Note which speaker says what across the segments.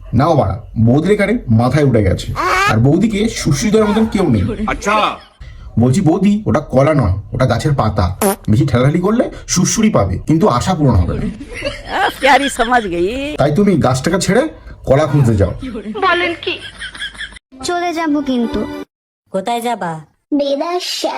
Speaker 1: নাও বাড়া, বৌদির এখানে মাথায় উঠে গেছে, আর বৌদিকে সুশ্রী দেওয়ার মতন কেউ নেই।
Speaker 2: আচ্ছা,
Speaker 1: বলছি বৌদি, ওটা কলা নয়, ওটা গাছের পাতা। বেশি ঠেলাঠালি করলে সুশ্রী পাবে, কিন্তু আশা পূরণ হবে না।
Speaker 3: प्यारी समझ गई।
Speaker 1: তাই তুমি গাছটাকে ছেড়ে কলা খুঁজতে যাও।
Speaker 4: চলে যাব কিন্তু।
Speaker 5: কোথায় যাবা?
Speaker 4: বেদাশা।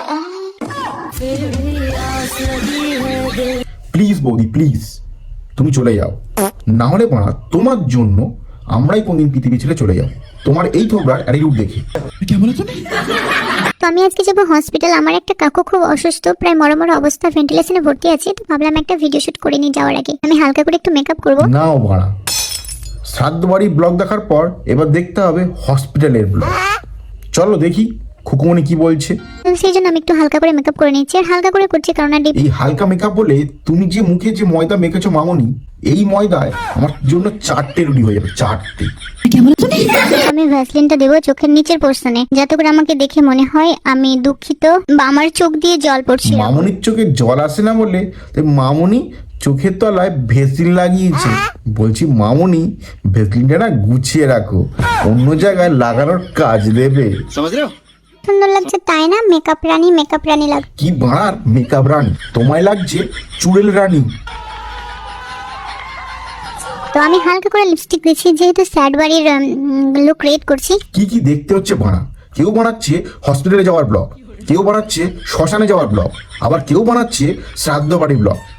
Speaker 1: প্লিজ বৌদি, প্লিজ তুমি চলে যাও, না হলে বাড়া তোমার জন্য আমরাই কোনদিন পৃথিবী ছেড়ে চলে যাও, তোমার এই থোবরার অ্যাটিটিউড দেখে।
Speaker 4: তো আমি আজকে যাবো হসপিটাল। আমার একটা কাকু খুব অসুস্থ, প্রায় মরমর অবস্থা, ভেন্টিলেশনে ভর্তি আছে। তো ভাবলাম একটা ভিডিও শুট করে নিয়ে যাওয়ার আগে আমি হালকা করে একটু মেকআপ করবো।
Speaker 1: নাও বাড়া, শ্রাদ্ধ বাড়ির ব্লগ দেখার পর এবার দেখতে হবে হসপিটালের ব্লগ। চলো দেখি খুকুমনি কি বলছে।
Speaker 4: সেই জন্য আমি একটু হালকা করে মেকআপ করে নিচ্ছি, আর হালকা করে করছি কারণ
Speaker 1: এই হালকা মেকআপ বলে তুমি যে মুখে যে ময়দা মেখেছো মামনি, এই ময়দায় আমার জন্য 4টে রুটি হয়ে যাবে, 4টে।
Speaker 4: আমি ভ্যাসলিনটা দেবো চোখের নিচের পোর্শনে, যাতে করে আমাকে দেখে মনে হয় আমি দুঃখিত বা আমার চোখ দিয়ে জল পড়ছে।
Speaker 1: মামনির চোখে জল আসে না বলে তাই মামনি চোখের তলায় ভেসলিন লাগিয়েছে। বলছি মামনি, ভেসলিনটা না গুছিয়ে রাখো, অন্য জায়গায় লাগানোর কাজ দেবে।
Speaker 2: समझ रहे हो?
Speaker 4: সুন্দর লাগছে তাই না? মেকআপ রানী লাগ।
Speaker 1: কি বাড়ার মেকআপ রানী, তোমায় লাগছে চুড়েল রানী।
Speaker 4: তো আমি হালকা করে লিপস্টিক দিচ্ছি, যেহেতু স্যাড বাড়ির লুক ক্রিয়েট করছি।
Speaker 1: কি কি দেখতে হচ্ছে বাড়া, কেউ বানাচ্ছে হসপিটালে যাওয়ার ব্লগ, কেউ বানাচ্ছে শ্মশানে যাওয়ার ব্লগ, আবার কেউ বানাচ্ছে শ্রাদ্ধ বাড়ির ব্লগ।